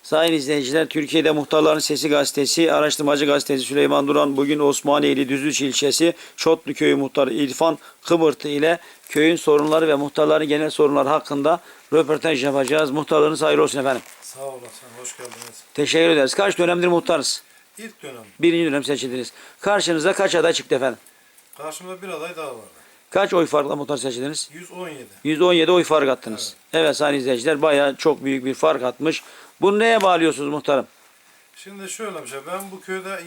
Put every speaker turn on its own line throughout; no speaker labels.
Sayın izleyiciler, Türkiye'de Muhtarların Sesi Gazetesi, Araştırmacı Gazetesi Süleyman Duran bugün Osmaniyeli Düzüç ilçesi Çotlu Köyü Muhtarı İrfan Kıbırtı ile köyün sorunları ve muhtarların genel sorunları hakkında röportaj yapacağız. Muhtarlarınız hayırlı olsun efendim.
Sağ olasın, hoş geldiniz.
Teşekkür ederiz. Kaç dönemdir muhtarız?
İlk dönem.
Birinci dönem seçildiniz. Karşınıza kaç aday çıktı efendim?
Karşımda bir aday daha vardı.
Kaç oy farkla muhtar seçildiniz?
117.
117 oy fark attınız. Evet sayın izleyiciler, bayağı çok büyük bir fark atmış. Bunu neye bağlıyorsunuz muhtarım?
Şimdi şöyle bir şey, ben bu köyde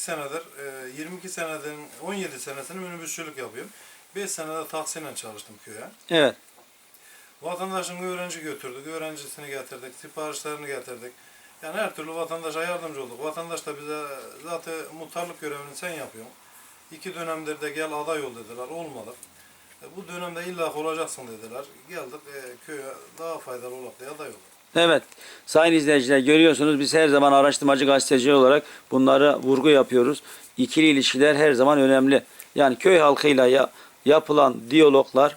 22 senedir, 17 senesini minibüsçülük yapıyorum. 5 senede taksiyle çalıştım köye.
Evet.
Vatandaşın öğrenci götürdük, öğrencisini getirdik, siparişlerini getirdik. Yani her türlü vatandaşa yardımcı olduk. Vatandaş da bize zaten muhtarlık görevini sen yapıyorsun. 2 dönemdir de gel aday ol dediler, olmadık. Bu dönemde illa olacaksın dediler. Geldik köye daha faydalı olarak diye aday olduk.
Evet. Sayın izleyiciler, görüyorsunuz biz her zaman araştırmacı gazeteci olarak bunlara vurgu yapıyoruz. İkili ilişkiler her zaman önemli. Yani köy halkıyla yapılan diyaloglar,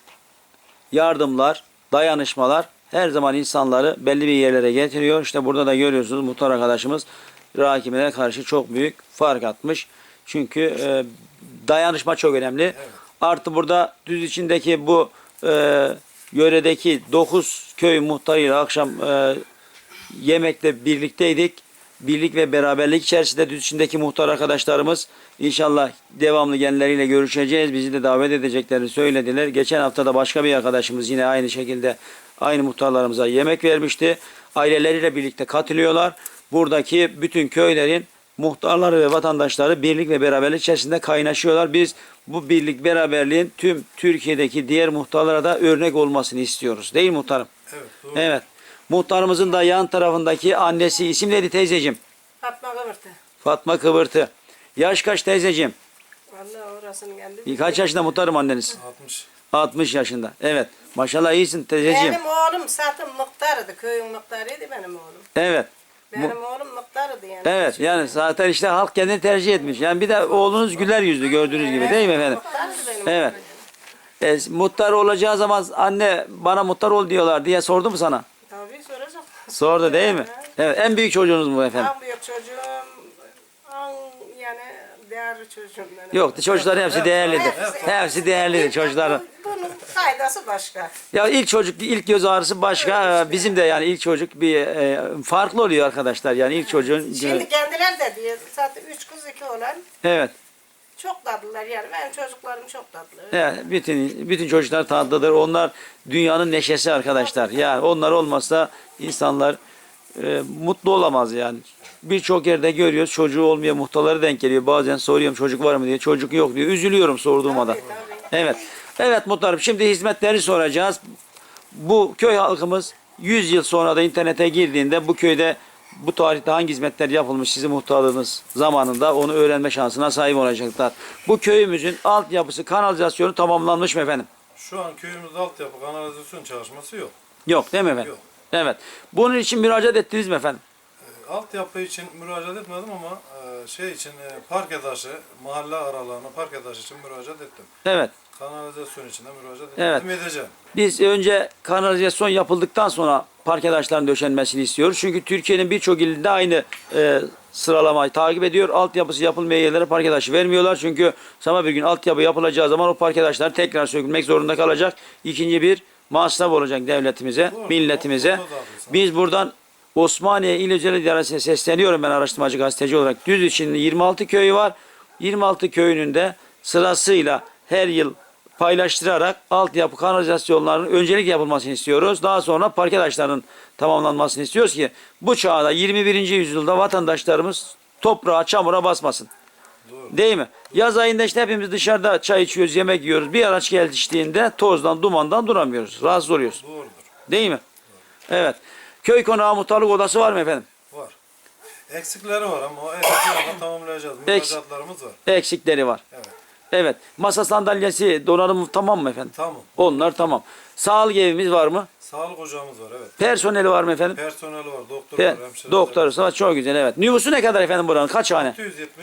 yardımlar, dayanışmalar her zaman insanları belli bir yerlere getiriyor. İşte burada da görüyorsunuz muhtar arkadaşımız rakibine karşı çok büyük fark atmış. Çünkü dayanışma çok önemli.
Evet.
Artı burada düz içindeki bu yöredeki 9 köy muhtarıyla akşam yemekte birlikteydik. Birlik ve beraberlik içerisinde düz içindeki muhtar arkadaşlarımız inşallah devamlı genleriyle görüşeceğiz. Bizi de davet edeceklerini söylediler. Geçen hafta da başka bir arkadaşımız yine aynı şekilde aynı muhtarlarımıza yemek vermişti. Aileleriyle birlikte katılıyorlar. Buradaki bütün köylerin muhtarları ve vatandaşları birlik ve beraberlik içerisinde kaynaşıyorlar. Biz bu birlik beraberliğin tüm Türkiye'deki diğer muhtarlara da örnek olmasını istiyoruz. Değil mi muhtarım?
Evet, doğru.
Evet. Muhtarımızın da yan tarafındaki annesi, isim neydi teyzeciğim?
Fatma Kıvırtı.
Fatma Kıvırtı. Yaş kaç teyzeciğim?
Vallahi orasını geldi.
Kaç yaşında muhtarım anneniz?
60.
60 yaşında. Evet. Maşallah iyisin teyzeciğim.
Benim oğlum zaten muhtarıydı. Köyün muhtarıydı benim oğlum.
Evet.
Benim oğlum muhtarıydı yani.
Evet, yani zaten işte halk kendini tercih etmiş. Yani bir de oğlunuz güler yüzlü gördüğünüz gibi değil mi efendim?
Muhtarıydı benim
Evet.
oğlum.
Muhtar olacağı zaman anne bana muhtar ol diyorlar diye sordu mu sana?
Tabii soracak.
Sordu değil mi? Evet. En büyük çocuğunuz mu efendim?
En büyük çocuğum, yani değerli çocuğum benim.
Yok, çocukların hepsi değerlidir. Hepsi değerlidir çocukların.
Bunun faydası başka.
Ya ilk çocuk, ilk göz ağrısı başka. Bizim de yani ilk çocuk bir farklı oluyor arkadaşlar. Yani ilk çocuğun.
Şimdi kendileri de diyor. Zaten 3 kız 2 oğlan.
Evet.
Çok tatlılar yani. Benim çocuklarım çok tatlı.
Evet, bütün çocuklar tatlıdır. Onlar dünyanın neşesi arkadaşlar. Yani onlar olmazsa insanlar mutlu olamaz yani. Birçok yerde görüyoruz çocuğu olmayan muhtarlara denk geliyor. Bazen soruyorum çocuk var mı diye. Çocuk yok diyor. Üzülüyorum sorduğuma da.
Tabii.
Evet. Evet muhtarım, şimdi hizmetleri soracağız. Bu köy halkımız 100 yıl sonra da internete girdiğinde bu köyde bu tarihte hangi hizmetler yapılmış sizin muhtarlığınız zamanında onu öğrenme şansına sahip olacaklar. Bu köyümüzün altyapısı, kanalizasyonu tamamlanmış mı efendim?
Şu an köyümüzde altyapı kanalizasyon çalışması yok.
Yok değil mi efendim?
Yok.
Evet. Bunun için müracaat ettiniz mi efendim?
Altyapı için müracaat etmedim ama parke taşı, mahalle aralarına parke taşı için müracaat ettim.
Evet.
Kanalizasyon için de müracaat
Evet.
edeceğim.
Biz önce kanalizasyon yapıldıktan sonra parke taşlarının döşenmesini istiyoruz. Çünkü Türkiye'nin birçok ilinde aynı sıralamayı takip ediyor. Altyapısı yapılmayan yerlere parke taşı vermiyorlar. Çünkü sabah bir gün altyapı yapılacağı zaman o parke taşlar tekrar sökülmek zorunda kalacak. İkinci bir masraf olacak devletimize,
Doğru.
milletimize.
O da haklısın.
Biz buradan Osmaniye İl Özel İdaresi'ne sesleniyorum ben araştırmacı gazeteci olarak. Düz içinde 26 köyü var. 26 köyünün de sırasıyla her yıl paylaştırarak altyapı kanalizasyonlarının öncelik yapılmasını istiyoruz. Daha sonra parke taşlarının tamamlanmasını istiyoruz ki bu çağda 21. yüzyılda vatandaşlarımız toprağa, çamura basmasın.
Doğru.
Değil mi? Yaz ayında işte hepimiz dışarıda çay içiyoruz, yemek yiyoruz. Bir araç geldiğinde tozdan, dumandan duramıyoruz. Rahatsız oluyoruz.
Doğrudur.
Değil mi? Evet. Köy konağı muhtarlık odası var mı efendim?
Var. Eksikleri var ama o eksiklerini tamamlayacağız. Müracaatlarımız var.
Eksikleri var.
Evet.
Evet. Masa sandalyesi, donanımı tamam mı efendim?
Tamam.
Onlar tamam. Sağlık evimiz var mı?
Sağlık ocağımız var, evet.
Personeli var mı efendim?
Personeli var, doktor var, hemşireler
Doktoru var. Çok güzel, evet. Nüfusu ne kadar efendim buranın? Kaç hane?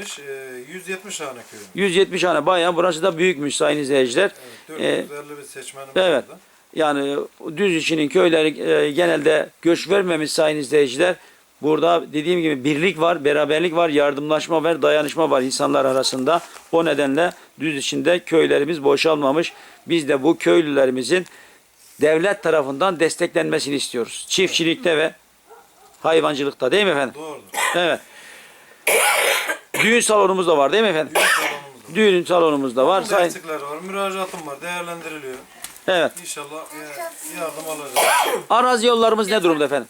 170 tane köyümüz.
170 hane bayağı. Burası da büyükmüş sayın izleyiciler.
Evet, 450 bir seçmenimiz
Evet.
vardı.
Yani düz içinin köyleri genelde göç vermemiş sayın izleyiciler. Burada dediğim gibi birlik var, beraberlik var, yardımlaşma var, dayanışma var insanlar arasında. O nedenle düz içinde köylerimiz boşalmamış. Biz de bu köylülerimizin devlet tarafından desteklenmesini istiyoruz. Çiftçilikte ve hayvancılıkta değil mi efendim?
Doğrudur.
Evet. Düğün salonumuz da var değil mi efendim?
Düğün salonumuz var.
Düğün salonumuz da var.
Bunun eksikleri var. Müracaatım var. Değerlendiriliyor.
Evet.
İnşallah yardım alacağız.
Arazi yollarımız ne durumda efendim?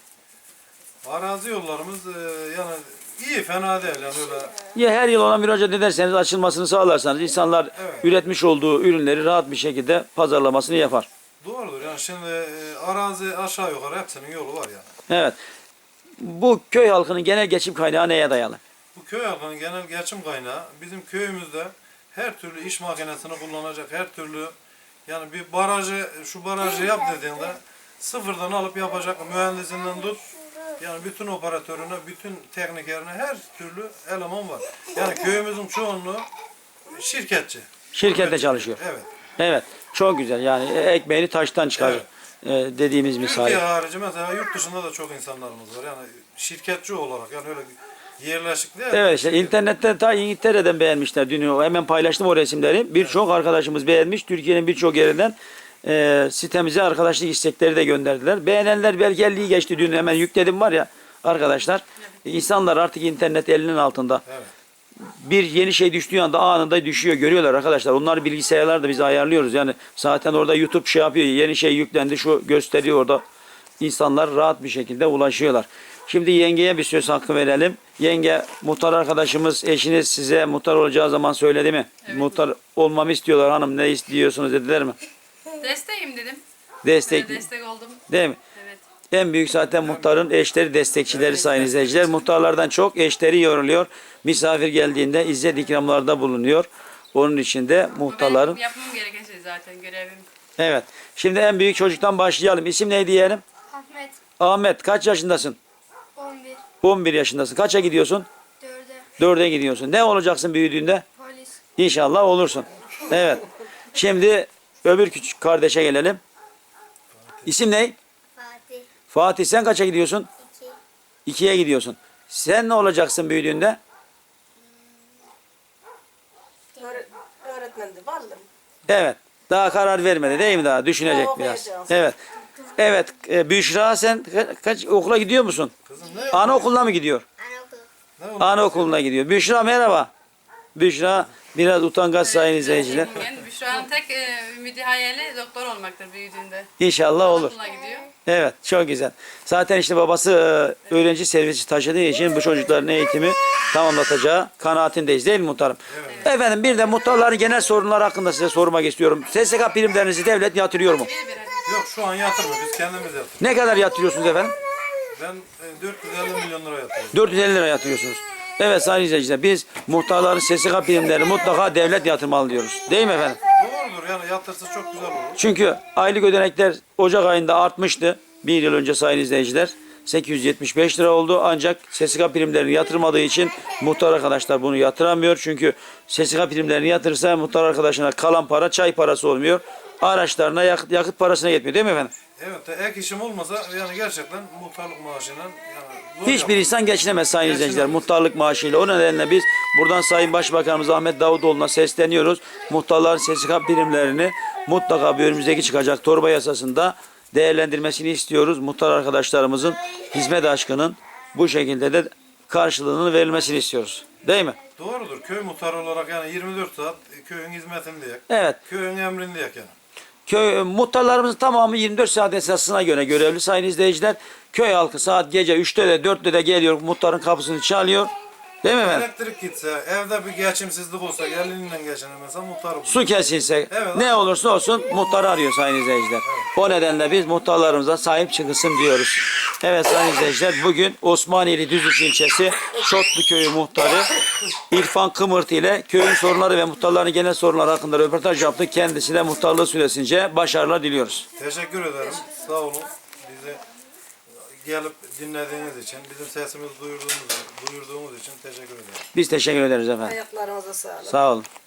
Arazi yollarımız yani iyi, fena değil. Yani öyle
Ya her yıl ona müracaat ederseniz, açılmasını sağlarsanız insanlar
Evet.
üretmiş olduğu ürünleri rahat bir şekilde pazarlamasını yapar.
doğrudur. Yani şimdi arazi aşağı yukarı hepsinin yolu var yani.
Evet. Bu köy halkının genel geçim kaynağı neye dayalı?
Bu köy halkının genel geçim kaynağı bizim köyümüzde her türlü iş makinesini kullanacak, her türlü yani bir barajı, şu barajı yap dediğinde sıfırdan alıp yapacak mühendisinden tut, yani bütün operatörüne, bütün teknikerine her türlü eleman var. Yani köyümüzün çoğunluğu şirketçi.
Şirkette
Üretçi.
çalışıyor.
Evet.
Evet. Çok güzel. Yani ekmeğini taştan çıkarır. Dediğimiz misal.
Türkiye harici mesela yurt dışında da çok insanlarımız var. Yani şirketçi olarak yani öyle yerleşik değil.
Evet işte internette ta İngiltere'den beğenmişler dün. Hemen paylaştım o resimleri. Birçok arkadaşımız beğenmiş. Türkiye'nin birçok yerinden sitemize arkadaşlık istekleri de gönderdiler. Beğenenler belki 50'yi geçti dün, hemen yükledim var ya arkadaşlar. İnsanlar artık internet elinin altında.
Evet.
Bir yeni şey düştüğü anda anında düşüyor, görüyorlar arkadaşlar. Onlar bilgisayarlarda biz ayarlıyoruz. Yani zaten orada YouTube şey yapıyor. Yeni şey yüklendi, şu gösteriyor orada. İnsanlar rahat bir şekilde ulaşıyorlar. Şimdi yengeye bir söz hakkı verelim. Yenge, muhtar arkadaşımız, eşiniz size muhtar olacağı zaman söyledi mi?
Evet.
Muhtar olmamı istiyorlar hanım, ne istiyorsunuz dediler mi?
Desteğim dedim.
Destek,
Böyle destek oldum.
değil mi?
Evet.
En büyük zaten muhtarın eşleri, destekçileri sayın izleyiciler. Muhtarlardan çok eşleri yoruluyor. Misafir geldiğinde izzet ikramlarda bulunuyor. Onun için de
Bu
muhtarların...
benim yapmam gereken şey zaten görevim.
Evet. Şimdi en büyük çocuktan başlayalım. İsim neydi diyelim?
Ahmet
Ahmet, kaç yaşındasın?
11
11 yaşındasın. Kaça gidiyorsun?
4'e
4'e gidiyorsun. Ne olacaksın büyüdüğünde?
polis
İnşallah olursun. Evet. Şimdi öbür küçük kardeşe gelelim. İsim ne?
Fatih
Fatih, sen kaça gidiyorsun?
2
2'ye gidiyorsun. Sen ne olacaksın büyüdüğünde?
Öğretmendi vallahi.
Evet. Daha karar vermedi değil mi daha? Düşünecek
Daha
biraz.
okuyacağız.
Evet. Evet. Büşra, sen kaç okula gidiyor musun?
Kızım ne?
Anaokuluna mı gidiyor?
anaokulu
Ne oldu?
Anaokuluna gidiyor. Büşra merhaba. Büşra biraz utangaç sayın izleyiciler.
Yani Büşra'nın tek ümidi hayali doktor olmaktır büyüdüğünde.
İnşallah olur.
Okula gidiyor.
Evet, çok güzel. Zaten işte babası öğrenci servisi taşıdığı için bu çocukların eğitimi tamamlatacağı kanaatindeyiz değil mi muhtarım? Evet. Efendim bir de muhtarların genel sorunları hakkında size sormak istiyorum. SSK primlerinizi devlet yatırıyor mu?
Yok şu an yatırmıyor. Biz kendimiz yatırıyoruz.
Ne kadar yatırıyorsunuz efendim?
Ben 450 milyon lira yatırıyorum.
450 lira yatırıyorsunuz. Evet sayın izleyiciler, biz muhtarların SSK primlerini mutlaka devlet yatırmalı diyoruz. Değil mi efendim?
Doğrudur yani yatırsa çok güzel olur.
Çünkü aylık ödenekler Ocak ayında artmıştı. Bir yıl önce sayın izleyiciler. 875 lira oldu. Ancak SSK primlerini yatırmadığı için muhtar arkadaşlar bunu yatıramıyor. Çünkü SSK primlerini yatırırsa muhtar arkadaşına kalan para çay parası olmuyor. Araçlarına yakıt parasına yetmiyor değil mi efendim?
Evet ek işim olmasa yani gerçekten muhtarlık maaşıyla yani zor
Hiçbir
yapar.
insan geçinemez sayın izleyiciler
Geçinemez.
muhtarlık maaşıyla. O nedenle biz buradan Sayın Başbakanımız Ahmet Davutoğlu'na sesleniyoruz. Muhtarların SSK primlerini mutlaka bir önümüzdeki çıkacak torba yasasında değerlendirmesini istiyoruz. Muhtar arkadaşlarımızın hizmet aşkının bu şekilde de karşılığının verilmesini istiyoruz. Değil mi?
Doğrudur. Köy muhtarı olarak yani 24 saat köyün hizmetindeyiz.
Evet.
Köyün emrindeyiz yani.
Köy muhtarlarımızın tamamı 24 saat esasına göre görevli sayın izleyiciler. Köy halkı saat gece 3'te de 4'te de geliyor, muhtarın kapısını çalıyor. Değil mi efendim?
Elektrik gitse, evde bir geçimsizlik olsa, elinden geçinemezse muhtar olur.
Su kesilse,
Evet.
ne olursa olsun muhtarı arıyor sayın izleyiciler. O nedenle biz muhtarlarımıza sahip çıkılsın diyoruz. Evet sayın izleyiciler, bugün Osmaniyeli Düzüş ilçesi Şotlu köyü muhtarı İrfan Kımırt ile köyün sorunları ve muhtarların genel sorunları hakkında röportaj yaptık. Kendisine muhtarlığı süresince başarılar diliyoruz.
Teşekkür ederim. Sağ olun. Bizi gelip dinlediğiniz için, bizim sesimizi duyurduğumuz için teşekkür ederim.
Biz teşekkür ederiz efendim.
Ayaklarınıza sağlık.
Sağ olun.